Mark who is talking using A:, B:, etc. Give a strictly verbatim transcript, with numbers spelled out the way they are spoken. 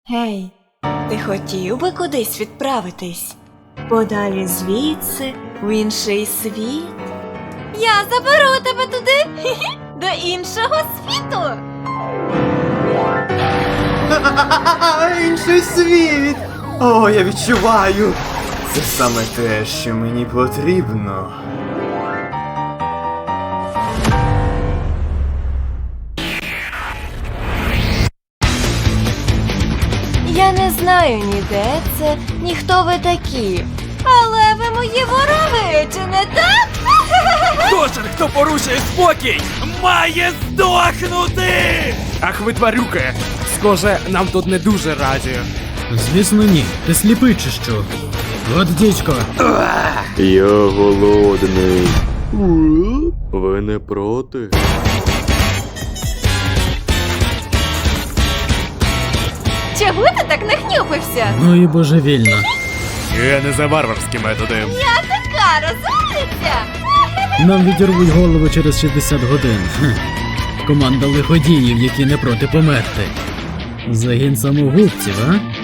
A: Гей, ти хотів би кудись відправитись? Подалі звідси, в інший світ? Я заберу тебе туди, до іншого світу.
B: Інший світ! О, я відчуваю! Це саме те, що мені потрібно.
A: Я не знаю ніде це, ні хто ви такі. Але ви мої вороги, чи не так?
C: Кожен, хто порушує спокій, має здохнути!
D: Ах ви тварюки! Схоже, нам тут не дуже раді.
E: Звісно, ні. Ти сліпий чи що? От дідько.
F: Я голодний. Ви не проти?
A: Чого ти так нахнюпився?
E: Ну і божевільно.
D: Я не за варварські методи.
A: Я така розумниця.
E: Нам відірвуть голову через шістдесят годин. Хм. Команда лиходіїв, які не проти померти. Загін самогубців, а?